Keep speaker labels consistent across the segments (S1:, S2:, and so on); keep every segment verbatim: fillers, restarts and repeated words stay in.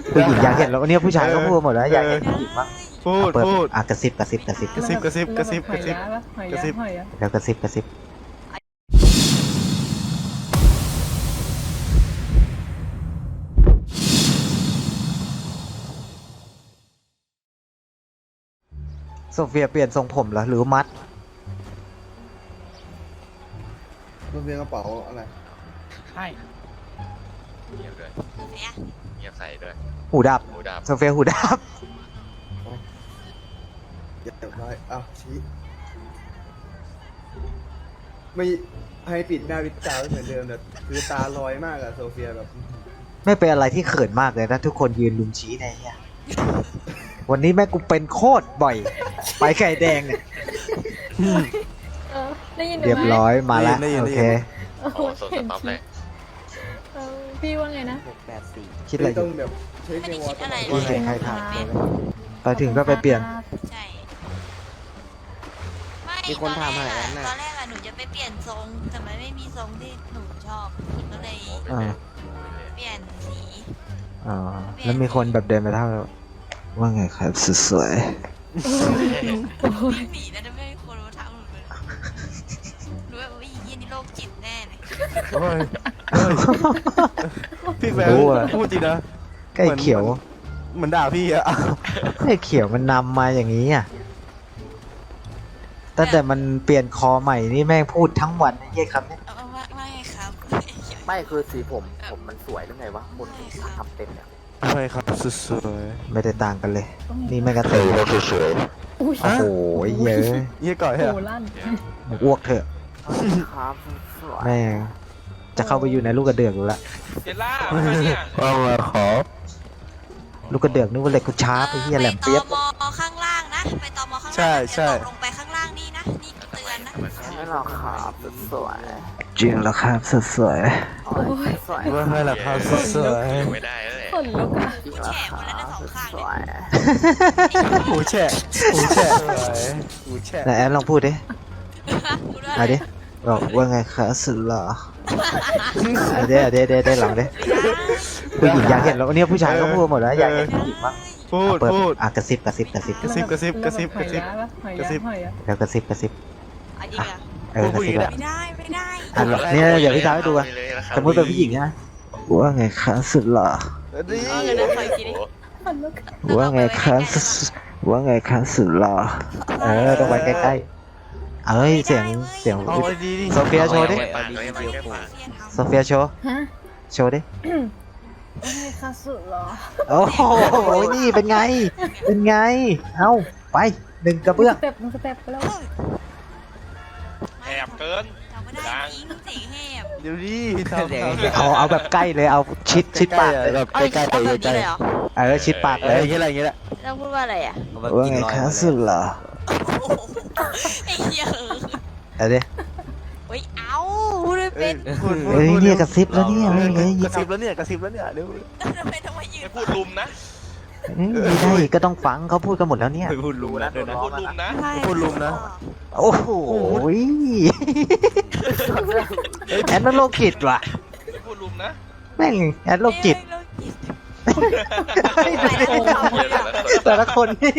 S1: ผู้หญิงอยากเห็นแล้วเนี่ยผู้ชายก็พูดหมดแล้วอยากเห็นผู้หญิงบ้าง
S2: พูด
S1: เปิด
S2: พูด
S1: อ่ะกระซิบกระซิบกระซิบ
S2: กระซิบกระซิบกระซิบกระซิบ
S3: หอย
S2: กระ
S3: ยะ
S2: ซิบ
S3: หอยยะ
S1: แล้วกระซิบกระซิบโซเฟียเปลี่ยนทรงผมเหรอหรือมัด
S4: มันเป็นกระเป๋าอะไร
S3: ใช่
S5: เงียบด้วยเงียบใส่ด้วย
S1: หูดับ
S5: หูดับ
S1: โซเฟียหูดับ
S4: เดี๋ยวได้อ้าวชี้ไม่ให้ปิดหน้าปิดตาไม่เหมือนเดิมแต่คือตาลอยมากอะโซเฟียแบบ
S1: ไม่เป็นอะไรที่เขินมากเลยนะทุกคนยืนลุมชี้ในเนี่ยวันนี้แม่กูเป็นโคตรบ่อย ไปไข่แดงเนี่ย
S3: เออได้ยินหนู
S1: เรียบ
S3: ไหม
S1: ร้อยมาแล้ว
S2: ได้ยิน
S1: โอ
S2: ได้ยิน
S1: เค
S3: โอ้โห
S5: โอ้โซนสต็อปเลย
S3: เออพี่ว่าไงนะ
S1: คิดอะไรอ
S4: ต้อยู่ งแบบใช้เจวอตลอด
S1: ไม่เห็นใครถามเลยไปถึงก็ไปเปลี่ยน
S6: ใช่ไม่
S7: มีคนถามหา
S6: ต
S7: แล้
S6: อน
S7: ว
S6: แร
S7: น่ะ
S6: กอะตอนแรกอะหนูจะไปเปลี่ยนทรงแต่มันไม่มีทรงที่หนูชอบก็เลย
S1: อ่า
S6: เปลี่ยนสี
S1: อ๋อแล้วมีคนแบบเดินมาเท่าว่าไงครับสวย
S6: วิ่งหนีนะถ้าไม่มีคนมาทำหนูเลยรู้ว่าวิ่งยี่นี่โรคจิตแน่เลย
S2: โอ้ยโอ้ยพี่แบงค์พูดจริงนะ
S1: ๆใกล้เขียว
S2: เหมือนด่าพี่อะ
S1: ใกล้เขียวมันนำมาอย่างนี้อ่ะตั้งแต่มันเปลี่ยนคอใหม่นี่แม่งพูดทั้งวันไอ้เหี้ยครับเนี่ย
S6: เอาว่าว่าไงครับ
S7: ไม่คือสีผมผมมันสวยหรือไงวะคนทำเต็มเนี่ย
S2: ใช่ครับสวย
S1: ไม่ได้ต่างกันเลย นี่แม่งกระเตย
S3: อุ้ย
S1: โอ้โหเยอะ
S2: ๆเยี่ยก่อย
S3: โห
S2: เหรอ
S3: ลั่น
S1: อ้วกเถอะ
S7: ครับสวย
S1: แม่งจะเข้าไปอยู่ในลูกกระเดือกอยู่ละ
S5: เจล่าเนี่ย
S2: ว่ามาขอ
S1: ลูกกระเดือกนึกว่าเหล็กกูชาร์ปไอ้เหี้ยแหลมเปี๊ยบ
S6: ไปตมข้างล่างนะไปตมข้างล่าง
S2: ใช่ใช่
S6: อย่าตกลงไปข้างล่างนี่นะนี่เตือนนะ
S7: ไม่หรอกครับสวย
S1: จริงแล้วครับสสวย
S7: โอ้ยสวย
S2: ว่าให้หลักฐานสวย
S5: ไม่ได้เลย
S3: ขนลุกอะ
S7: จริงแล้วครับสวย
S2: ๆหูแฉะหูแฉะสวยหูแฉะ
S1: ไหนแอนลองพูดดิ
S6: พูดว่า
S1: เอาดิบอกว่าไงคะสุดหล่อเอาดิเอาดิเด้ได้หลังดิผู้หญิงอยากเห็นแล้วเนี่ยผู้ชายก็พูดหมดแล้วอยากเห็นผู้หญิงบ้าง
S2: พูด
S1: เปิด
S2: พูด
S1: อ่ะกระซิบกระซิบกระซิบ
S2: กระซิบกระซิบกระซิบกระซิบ
S3: หอย
S2: กระซิบ
S3: ยะหอยยะ
S1: แล้วกระซิบกระซิบ
S6: เอาจริงอะ
S1: เออกระซิบอะ
S6: ไม่ได้ไม่ได้
S1: อ่ะเนี่ยเดี๋ยวพี่สาวให้ดูอ่ะสมมติเป็นผู้หญิงนะว่าไงคะสุดหล่อ
S2: ดี
S6: เออเดี๋ยวนะขออีกทีดิ
S3: ขนลุก
S1: ว่าไงคะสุดว่าไงคะสุดหล่อเออต้องไปใกล้ๆเอ้ยเสียงเสียง
S2: เอาดีดิ
S1: โซเฟียโชว์ดิ
S5: ปากเลยมันแค่ปาก
S1: โซเฟียโชว์
S3: ฮะ
S1: โชว์ดิ
S3: โอ้ยคาสุเหรอ
S1: โอ้โหนี่เป็นไง เป็นไง เอาไปหนึ่งกระเบื้อง
S3: สเต็ปมันสเต็ปไปแล้ว
S5: แอบเกิน
S6: เราไม่ได้จริงเสียงแหบ
S2: เดี๋ยวดิทำทำ
S1: เอาเอาแบบใกล้เลยเอาชิดชิดปาก
S2: แบบใกล้ๆใกล้
S6: เอาแบบนี้เลยเหรอ
S1: เออชิดปาก
S2: ๆ
S1: เล
S2: เอย ออย่างเงี้ยอะไรอย่างเงี้ยแหละ
S6: ต้องพูดว่าอะไรอ่ะ
S1: ว่าไงคะสุดหล่อ
S6: ไอ้เหี้ย
S1: เอาดิ
S6: เฮ้ยเอาพูดไม่เป็น
S2: พูด
S1: เฮ้ยเนี่ยกระซิบแล้วเนี่ยไม่เลย
S2: กระซิบแล้วเนี่ยกระซิบแล้วเนี่ยเดี๋ยว
S6: ทำไมต้องมายืน
S5: ไม่พูดลุมนะ
S1: ไม่ได้ก็ต้องฟังเขาพูดกันหมดแล้วเนี่ย
S2: พูดรู้นะ
S5: ไม่พูดลุมนะ
S2: พูดลุมนะ
S1: โอ้โหแอนนั่นโรคจิตว่ะ
S5: ไม่พูดลุมนะ
S1: แม่งแอนโรคจิต
S6: โรคจิต
S1: แต่ละคนเนี่ย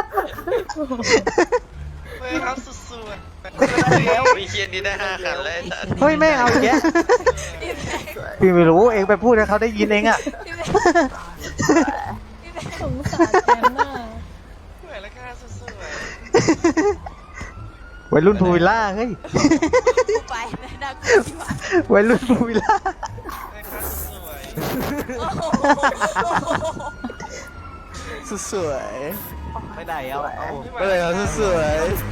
S5: เฮ้ยครับสุดๆแล้วมีเคียนนี้ได้ห้าคันเลย
S1: เฮ้ยแม่งเอาอย่างเงี้ยพี่ไม่รู้เองไปพูดให้เขาได้ยินเองอ่ะ
S3: สงสารแอนน่ะ
S5: เหมือนราคาสุด
S1: วัยรุ่นพูวิลล่าเฮ้ย
S6: กูไปไม่น่ากลัวที่ว่า
S1: วัยรุ่นพูวิลล่า
S5: ๆราคาสวย
S6: โอ้โห
S2: สวย
S7: ไม่ได้เอาเอา
S2: ๆอะไรครับสวย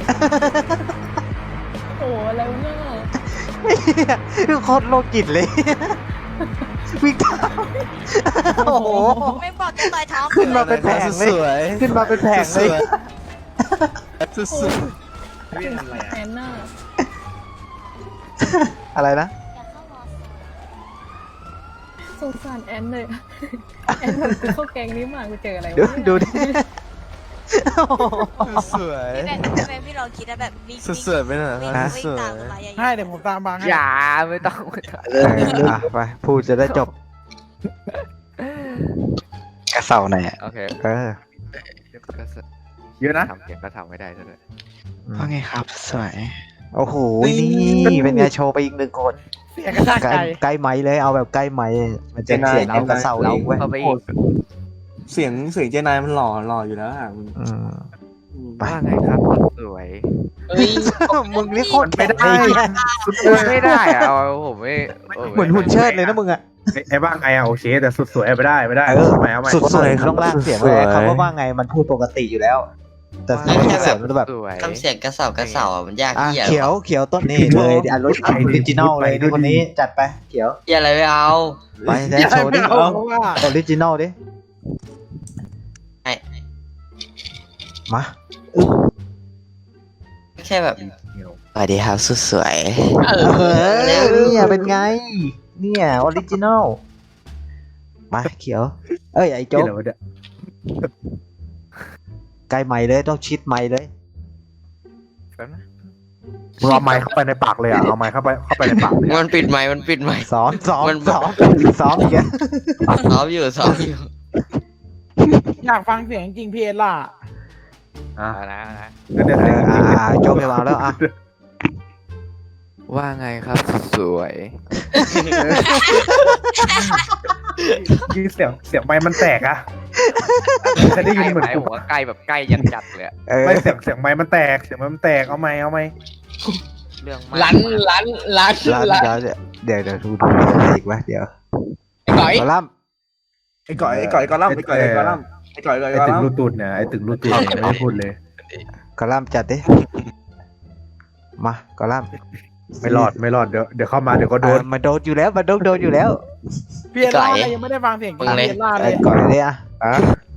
S3: โอ้โหอะไรวะเนี่ย
S1: คือโคตรโลกิตเลยวิ่งตามโอ้โห
S6: ไม่บอกจะต่อยท้อง
S1: ขึ้นมาเป็นแผงเลย
S2: สวย
S1: ขึ้นมาเป็นแผง
S2: ส
S1: เลย
S2: วยสวยสวย
S3: แอนน่ะ
S1: อะไรนะ
S3: สงสารแอนเลยแอนแบบกูเข้าแกงนี้มากูเจออะไร
S1: ดู
S3: วะเนี่ย
S1: ดูดิโอ้โห
S2: สวย
S6: พี่แบงค์พี่แบงค์พี่ลองคิดนะแบบวิ่ง
S2: สวยๆไปหน่อย
S6: วิ่ง
S2: นะ
S6: วิ่
S2: ส
S6: ง
S2: วย
S6: ตามต้นไม้ใหญ่
S8: ให้เดี๋ยวผมตามบางให้
S7: อย่าไม่ต้องไม่ต้อง
S1: เอออ่ะไปพูดจะได้จบกระเสาไหนอยอะ
S2: โอเค
S1: เออ
S4: เยอะนะ
S2: ทำเสียงก็ทำไม่ได้ซะด้วย
S1: ว่าไงครับสวยโอ้โหนี่เป็นไงโชว์ไปอีกหนึ่งคน
S8: เสียงกระชาก
S1: ใกล้
S8: ใจ
S1: ใกล้ไม้เลยเอาแบบใกล้ไม้มันจะเสียงเอากระเสาเองเว้ย
S2: เข้าไปอีก
S9: เสียงเสียงเจนายมันหล่อหล่ออยู่แล้วอ่ะมึง
S1: อืม ไป
S2: ว่าไงครับสวย
S8: เอ้ย
S1: มึงนี่โคตร
S4: ไม่ได้
S2: ไม่ได้อะเอาผมไม่
S1: เหมือนหุ่นเชิดเลยนะมึงอะ
S4: ไอ้บ้างไงอ่ะโอเคแต่สุดสวยไม่ได้ไม่ได้
S1: เออ
S4: เอาใหม่เอาใหม่
S1: สุดสวยต้องล่างเสียงเลยคำว่าว่าไงมันพูดปกติอยู่แล้ว แต่เสียงเสียงมันแบบ
S2: สวย
S5: ทำเสียงกระเสากระเสาอ่ะมันยาก
S1: อ่ะ
S5: เหี้ย
S1: เขียวเขียวต้นนี่เลยอันรถออริจินอลเลยนี่คนนี้จัดไปเขียว
S5: เหี้ยอะไรไม่เอา
S1: ไปแดนโชว์ดิ
S8: ไม่เอาเพราะว่า
S1: ออริจินอลดิ
S5: ไอ้
S1: มา
S5: แค่แบบสวัสดีครับสุดสวย
S1: เออเนี่ยเป็นไงเนี่ยออริจินอลมาเขียว เอ้ยไอ้โจ๊ก
S4: ที่ไหนวะเนี่ย
S1: ใกล้ไม้เลยต้องชิดไม้เลย
S2: แป๊บนะ
S4: มึงเอาไม้เข้าไปในปากเลยอ่ะเอาไม้เข้าไปเข้าไปในปากเลย
S5: มันปิดไมค์มันปิดไมค์
S1: ซ้อมซ้อม
S5: มัน
S1: ซ้อมซ้อมอีกแล้ว
S5: ซ้อมอยู่ซ้อมอยู่
S8: อยากฟังเสียงจริงพีเอล่ะ
S4: อ่ะ
S2: เอานะเอานะ
S4: เดี๋ยวเดี๋ยว
S1: เอ
S4: เดี๋ยว
S1: ออ่าโจ๊กไปวางแล้วอ่ะ
S2: ว่าไงครับสวย
S4: ยี่เสียงเสียงไม้มันแตกอ่ะจะได้ยินเหมือน
S2: ใกล้
S4: กู
S2: ผมว่าใกล้แบบใกล้ยันจัดเลยอะ
S1: เออ
S4: ไม่เสียงเสียงไม้มันแตกเสียงไม้มันแตกเอาไม้เอาไม้
S2: เรื่องมาก
S8: ลันลันลัน
S1: แล้ว
S8: ลัน
S1: เดี๋ยวเดี๋ยวเดี๋ยวดูดูอะไรอีกวะเดี๋ยว
S8: ไอ้ก่อย
S1: ขอล่
S9: ไอ้ก่อยไอ้ก่อยกอลัมน์ไอ้ก่อยไอ้กอลัมน์ไอ้ก่อยไอ้
S4: ไอ้
S9: กอ
S4: ตึ
S9: ลั
S4: ง
S9: ม
S4: รู
S9: น์
S4: ตูดเนี่ยไอ้ตึงรูตูดเนี่ยไม่ได้พูดเลย
S1: ำขอล่ำจัดดิมาขอล่ำ
S4: ไม่รอดไม่รอดเดี๋ยวเดี๋ยวเข้ามาเดี๋ยวก็โดน
S1: อ่ะมาโดนอยู่แล้วมาโดนโดนอยู่แล้ว
S8: พีเอล่ายังไม่ได้ฟังเสียงจริงพีเอล่าเล
S1: ไอ้
S8: ย
S1: ก่อนเลยอ่ะ
S4: อ่ะ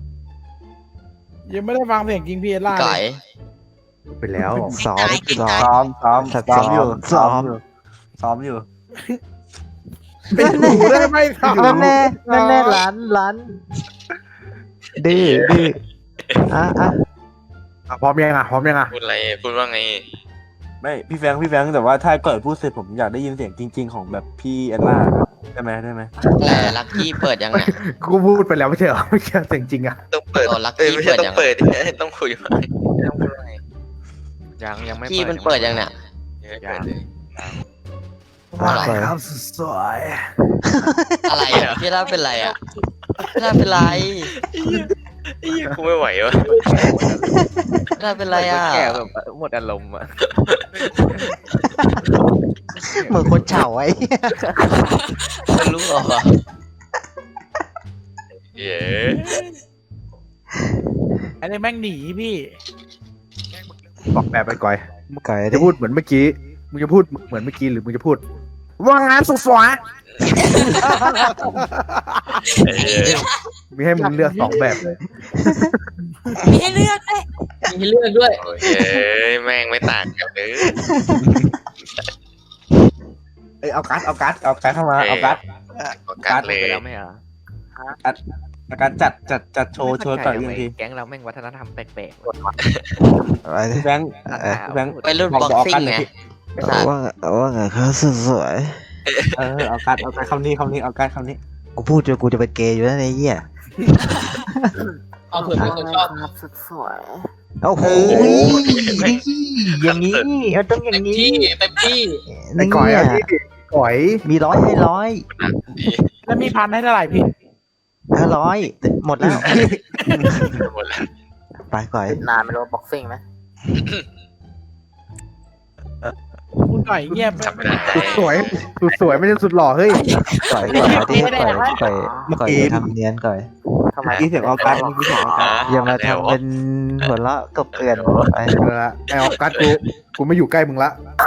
S8: ยังไม่ได้ฟังเสียงจริงพีเอล่าเล
S5: ไก่
S8: ย
S4: ไปแล้ว
S1: ซ้อมซ้อ
S9: ซ้อ
S1: ม
S9: มซ้อม
S1: ซ้
S9: ซ้
S1: อ
S9: อ
S1: ม
S9: มอยู่
S1: ซ้
S9: ซ้
S1: อ
S9: อ
S1: ม
S9: มอยู่ซ้อมอยู่
S8: เป็นหูได้ไหมครับ
S1: นั่นแน่นั่นแน่หลานหลานดื้อดื้ออ่ะอ่ะ
S4: อ่ะพร้อมยังอ่ะพร้อมยังอ่ะ
S5: พูดอะไรพูดว่าไง
S9: ไม่พี่แฟงพี่แฟงแต่ว่าถ้าเกิดพูดเสร็จผมอยากได้ยินเสียงจริง ๆ ของแบบพี่แอนนาได้ไหมได้ไหม
S5: แต่ลักกี้เปิดยังไง
S4: กูพูดไปแล้วไม่ใช่เหรอไม่ใช่เสียงจริงอ่ะ
S5: ต้องเปิดโอ้ลักกี้เปิดยังเปิดต้องคุยมา
S2: ยังยังไม่
S5: กี้มันเปิดยังเนี่ย
S2: ยัง
S1: ว่าไง
S4: ครับสวย
S5: อะไรอ่ะพี่ล่าเป็นไรอ่ะพี่ล่าเป็นไร
S10: กูไม่ไหววะ
S5: พี่ล่าเป็นไรอ่ะ
S2: แก่แบบหมดอารมณ์อะ
S1: เหมือนคนเฉาไอ้
S5: มันรู้เหรอ
S10: เย้
S8: อันนี้แม่งหนีพี่
S4: บอกแบบไปก่อย
S1: ก่อยดิ
S4: จะพูดเหมือนเมื่อกี้มึงจะพูดเหมือนเมื่อกี้หรือมึงจะพูดว่างานสุดสวยมีให้มึงเลือกสองแบบเลย
S6: มีให้เลือกด้วย
S8: มีเลือกด้วย
S10: โอเคแม่งไม่ต่างกันเลย
S9: เอ้ยเอาการ์ดเอาการ์ดเอาการ์ดเข้ามาเอาการ์ด
S10: ประกาศเลย
S2: ไปแล้วไม่เหรอ
S9: เอาการ์ดจัดจัดจัดโชว์โชว์ก่อนอีกที
S2: แก๊งเราแม่งวัฒนธรรมแปลก
S1: ไปดิ
S9: พี่แฟง
S1: เออ
S9: พี่แฟง
S5: ไปรุ่นบ็อกซิ่งไง
S1: ว่าไงว่าไงครับสวย
S9: เออเอาการ์ดเอาการ์ดคำนี้คำนี้เอาการ์ดคำนี้
S1: ๆกูพูดจนกูจะเป็นเกย์อยู่แล้วไอ้เหี้ย
S8: เอาเผื่อเป็นคนชอบ
S7: ครับสุดสวย
S1: โอ้โหอย่างนี้มันต้องอย่างนี้
S8: เต็มที่
S4: ไอ้ก่อยอ่ะที่ก่อย
S1: มีร้อยให้ร้อย
S8: แล้วมีพันให้เท่าไหร่พี่
S1: ห้าร้อยหมดแล้ว
S10: หมดแล้ว
S1: ไปก่อย
S7: นานไม่รู้บ็อกซิ่งไหม
S8: คุณก่อยเงียบ
S10: จำไม่ได้
S4: สุดสวยสุดสวยไม่ใช่สุดหล่อเฮ้ย
S1: ก่อยก่อยเอาที่ก่อยก่อยก่อยอย่าทำเนียนก่อย
S7: ทำไม
S9: เมื่อกี้เสียงเอาการ์ดเมื่อกี้เสียงเอาการ์ด
S1: อย่ามาทำเป็นหัวเราะกบเกลื่อนไป
S4: เอาละไอ้ออกัสกูกูไม่อยู่ใกล้มึงละ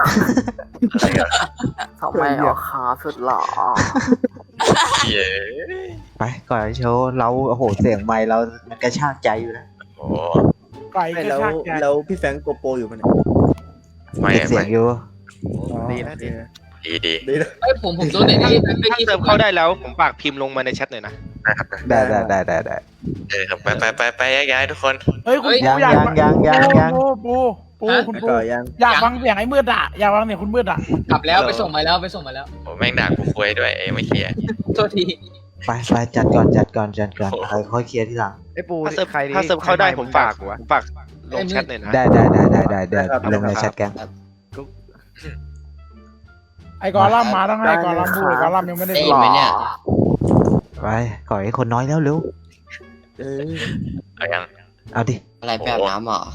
S7: ทำไมออกขาสุดหล่อ
S10: เย้
S1: ไปก่อยโชว์เราโอ้โหเสียงไมค์เรามันกระชากใจอยู่นะ
S10: โอ้
S8: ก่อยก็
S9: แล้ว
S8: ชากใจ
S9: แล้วพี่แฟงโกโปรอยู่ปะเนี่ย
S10: ไม่
S1: เก็บเสีย
S10: ไม่
S1: งอยู่
S2: ดีนะดี
S10: ดีดี
S9: ดีนะ
S8: เอ้ยผมผมโดนไหนที่
S11: ถ้าเติมเข้าได้แล้วผมฝากพิมพ์ลงมาในแชทหน่อยนะ
S1: ได้ได้ได้ได้ได้
S10: เออครับไปไปไปไปย้ายๆทุกคน
S8: เฮ้ยคุณปู
S1: ยัง
S8: อยาก
S1: ยังยังยังยัง
S8: ปูปูปูคุณ
S9: ไอ้
S8: ปู
S9: ก่อยยัง
S8: อยากฟังเสียงไอ้มืดอ่ะอยากฟังเสียงคุณมืดอ่ะ
S11: กลับแล้วไปส่งมาแล้วไปส่งมาแล้ว
S10: โอ้แม่งด่ากูคุยด้วยเอ้ยไม่เคลียร์
S11: โทษที
S1: ไปไปจัดก่อนจัดก่อนจัดก่อนใครค่อยเคลียร์ที่หลัง
S4: ไอ้ปู
S11: ถ้าเซิร์ฟ
S4: ใครดิ
S11: ถ้าเซิร์ฟเข้าได้ผมฝาก
S4: วะ
S11: ผมฝากลงแชทหน่อยนะ
S1: ได้ได้ได้ได้ได้ได้ลงในแชทแก๊ง
S8: ไอ้กอลัมน์มาต้องให้กอลัมน์พูดไอ้กอลัมน์ยังไม่ได้
S7: ได้
S8: พู
S7: ยิ
S8: ด
S7: นไหมเนี่ย
S1: ไปก่อยให้คนน้อยแล้วเร็ว
S10: เอายัง
S1: เอาดิ
S7: อะไรไปอาบน้ำเหรอ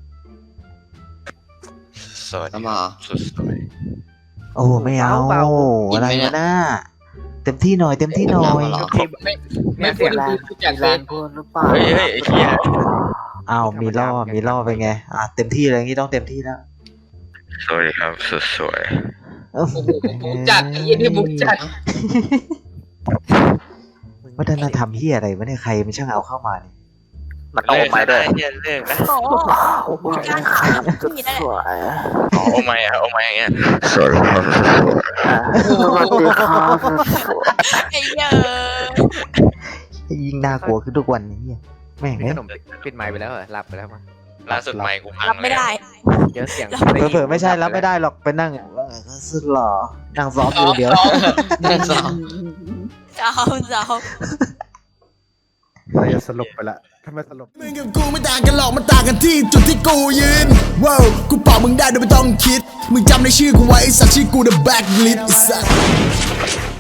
S10: สวัสดี
S7: น้ำเหรอ
S10: สุดสวย
S1: โอ้ไม่เอา
S7: เบาๆ
S1: อะไร
S7: กินไหมเนี่
S1: วะ
S7: ย
S1: น่าเต็มที่หน่อยเต็มที่หน่อย
S7: น้ำเหรอ
S4: ไม่เสียงแรง
S7: แรงพูดหรือเปล่า
S10: เฮ้ยเฮ้ยไอ้เหี้ย
S1: อ้าวมีล่อมีล่อไปไงอ่ะเต็มที่เลยงี้ต้องเต็มที่แล้ว
S10: สวัสดีครับสุดสวย
S1: โอ้โห
S8: มุกจัดไอ้ยี่นี่มุกจัด
S1: วัฒนธรรมเฮียอะไรวะเนี่ยใครมันช่างเอาเข้ามาเนี่ย
S10: มันเอาไม้ด้วยเหี้ยเลิกนะ
S6: โอ้โหการพี่นั่นแหละ
S10: อ๋อโอไม้อะโอไม้อย่างเงี้ยสวัสดีครับ
S6: ไอ้เหี้ย
S1: ยิ่งน่ากลัวขึ้นทุกวันนี้เหี้ยแม่ง
S4: มี
S1: เอ้
S4: ข
S1: ย
S4: นมปิดไมค์ไปแล้วเหรอหลับไปแล้วมั้ง
S10: ล่าสุดไม้กูพัง
S6: รับไม่ได้
S4: เยอะเสียง
S1: เผลอๆไม่ใช่รับไม่ได้หรอกไปนั่งว่าไงก็สุดหล่อนั่งซ้อมอยู่เดี๋ยว
S7: นั่นสอง
S6: เจ้าเจ้า
S4: เราจะสลบไปละทำไมสลบ
S12: มึงกับกูไม่ต่างกันหรอกมันต่างกันที่จุดที่กูยืนว้าวกูเป่ามึงได้โดยไม่ต้องคิดมึงจำในชื่อกูไว้ไอ้สัตว์ชื่อกู The Blacklist ไอ้สัตว์